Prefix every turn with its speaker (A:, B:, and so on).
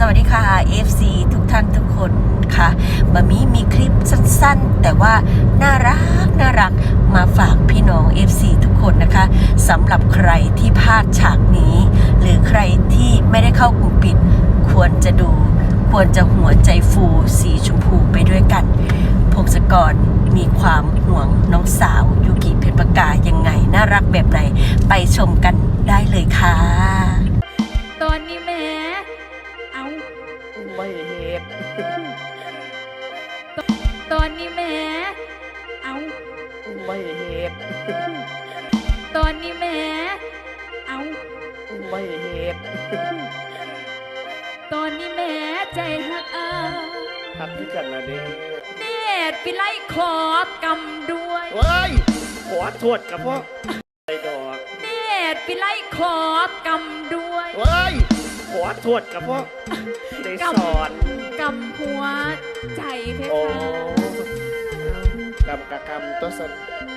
A: วัสดีค่ะ FC ทุกท่านทุกคนค่ะบะมี่มีคลิปสั้นๆแต่ว่าน่ารักมาฝากพี่น้อง FC ทุกคนนะคะสำหรับใครที่พลาดฉากนี้หรือใครที่ไม่ได้เข้ากลุ่มปิดควรจะดูควรจะหัวใจฟูสีชมพูไปด้วยกันพงศกรมีความห่วงน้องสาวยูกิเพ็ญปากายังไงน่ารักแบบไหนไปชมกันได้เลยค่ะ
B: ตอนนี้แม่เอา
C: ไม่เห็น
B: ตอนนี้แม่เอา
C: ไม่เห็น
B: ตอนนี้แม่เอา
C: ไม่เห็น
B: ตอนนี้แม่ใจหักอา
C: ทับที่กันนะเด้
B: เนตรไปไล่ขอกำด้วย
C: เฮ้ยขอโทษกับพ่อไอ้ดอก
B: เนตรไปไล่ขอกำด้วย
C: เฮ้ยขอโทษกับพ่อได้สอน
B: กำหัวใจเพ
C: โอ้
B: คะ
C: กำกับกำตัวสัน